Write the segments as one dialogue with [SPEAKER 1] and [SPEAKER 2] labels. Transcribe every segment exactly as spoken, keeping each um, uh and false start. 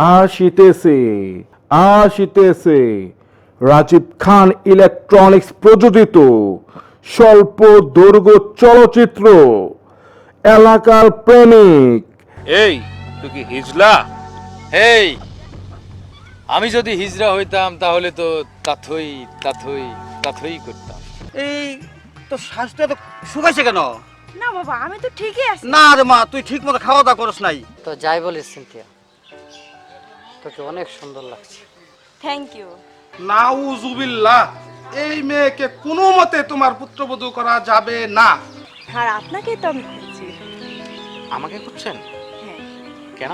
[SPEAKER 1] আসিতেছে আসিতেছে রাজীব খান ইলেকট্রনিক্স প্রযোজিত স্বল্প দৈর্ঘ্য চলচ্চিত্র এলাকার প্রেমিক।
[SPEAKER 2] এই তুই কি হিজলা?
[SPEAKER 3] এই আমি যদি হিজড়া হইতাম তাহলে তো তাথই তাথই তাথই করতাম।
[SPEAKER 4] এই তো শ্বাসটা তো শুকাইছে কেন?
[SPEAKER 5] না বাবা, আমি তো ঠিকই আছি।
[SPEAKER 4] না রে মা, তুই ঠিক মতো খাওয়া দাওয়া করস নাই।
[SPEAKER 6] তো যাই বলিস সিনথিয়া, তোকে অনেক সুন্দর লাগছে।
[SPEAKER 5] Thank you.
[SPEAKER 7] নাউজুবিল্লাহ, এই মেয়েকে কোনো মতে তোমার পুত্রবধূ করা যাবে না।
[SPEAKER 5] আর আপনাকেই তো আমি খুঁজছি।
[SPEAKER 2] আমাকে খুঁজছেন?
[SPEAKER 5] হ্যাঁ।
[SPEAKER 2] কেন?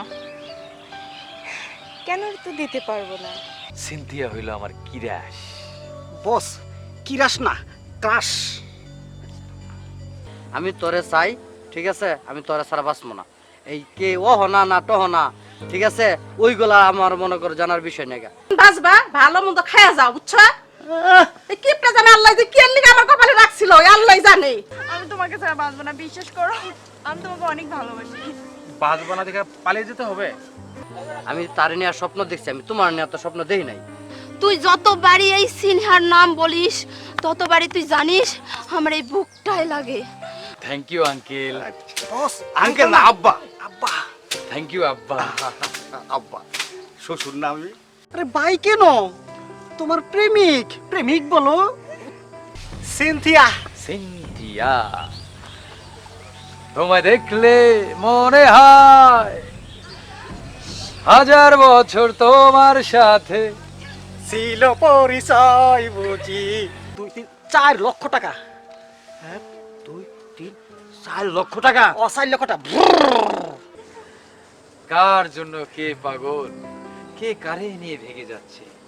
[SPEAKER 5] কেন তো দিতে পারবো না।
[SPEAKER 3] সিনথিয়া হইল আমার কিরাস।
[SPEAKER 4] বস, কিরাস না, ক্রাশ।
[SPEAKER 6] আমি তোরে চাই, ঠিক আছে? আমি তোরে ছাড়া বাঁচবো না। এই কে ও হনা না তো হনা, ঠিক আছে? ওইগুলা আমার মনে করে জানার বিষয় নেই।
[SPEAKER 8] বাসবা ভালো মন্দ খায়া যাও, বুঝছো? এই কিপটা জানে আল্লাহ যে কি লিগে আমার কপালে রাখছিল, আল্লাহ জানে।
[SPEAKER 5] আমি তোমাকে ছাড়া বাঁচবো না, বিশ্বাস করো। আমি তোমাকে অনেক ভালোবাসি।
[SPEAKER 2] বাজবানা দেখে পালিয়ে যেতে হবে?
[SPEAKER 6] আমি তার নিয়ে স্বপ্ন দেখছি, আমি তোমার নিয়ে তো স্বপ্ন দেখি নাই।
[SPEAKER 9] তুই যতবারই এই সিনহার নাম বলিস ততবারই তুই জানিস আমার এই বুকটাই লাগে।
[SPEAKER 3] Thank you uncle.
[SPEAKER 4] Boss, uncle না, আব্বা। আব্বা,
[SPEAKER 3] থ্যাংক ইউ আব্বা।
[SPEAKER 4] আব্বা। শ্বশুর না আমি? আরে ভাই কেন? তোমার প্রেমিক, প্রেমিক বলো। সিনথিয়া।
[SPEAKER 3] সিনথিয়া, তোমায় দেখলে মনে হয় হাজার বছর তোমার সাথে
[SPEAKER 4] ছিল পরিচয় বুঝি। দুই তিন চার লক্ষ টাকা। এক দুই তিন চার লক্ষ টাকা। ও চার লক্ষ টাকা।
[SPEAKER 3] কার জন্য কে পাগল, কে কারে নিয়ে ভেগে যাচ্ছে।